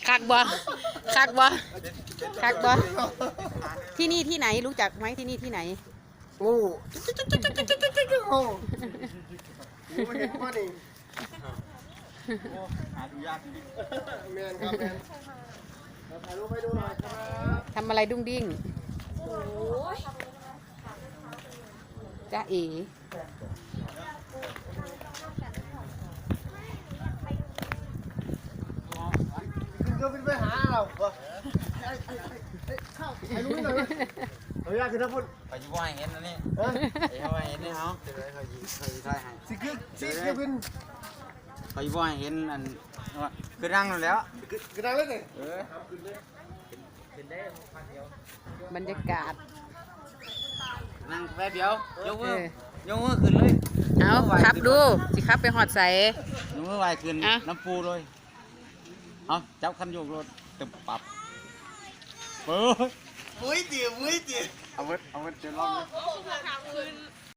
คักบ่คักบ่คักบ่ที่นี่ที่ไหนรู้จักไหมที่นี่ที่ไหนงูงูมันเห็นว่านี่หาดูยากแมนครับแมนถ่ายรูปให้ดูหน่อยครับทำอะไรดุ้งดิ้งจ้าเอ๋ขึ้นไปหาเราเข้าถ่ายรูปให้หน่อยเฮ้ยคือถ้าพูดไปอยู่ว่าเห็นอันนี้ไปว่าเห็นนี่เขาเขายิงถ่ายให้สิขึ้นไปอยู่ว่าเห็นอันคือนั่งแล้วกระดังเลยสิบรรยากาศนั่งแป๊บเดียวยกมืขึ้นเลยเอาขับดูสิขับไปหอดใสยกมือไหวขึ้นน้ำปูเลยเอาจับคันโยกรถตึบปับมุ้ยเตี๋ยเอาไว้เดี๋ยวลอง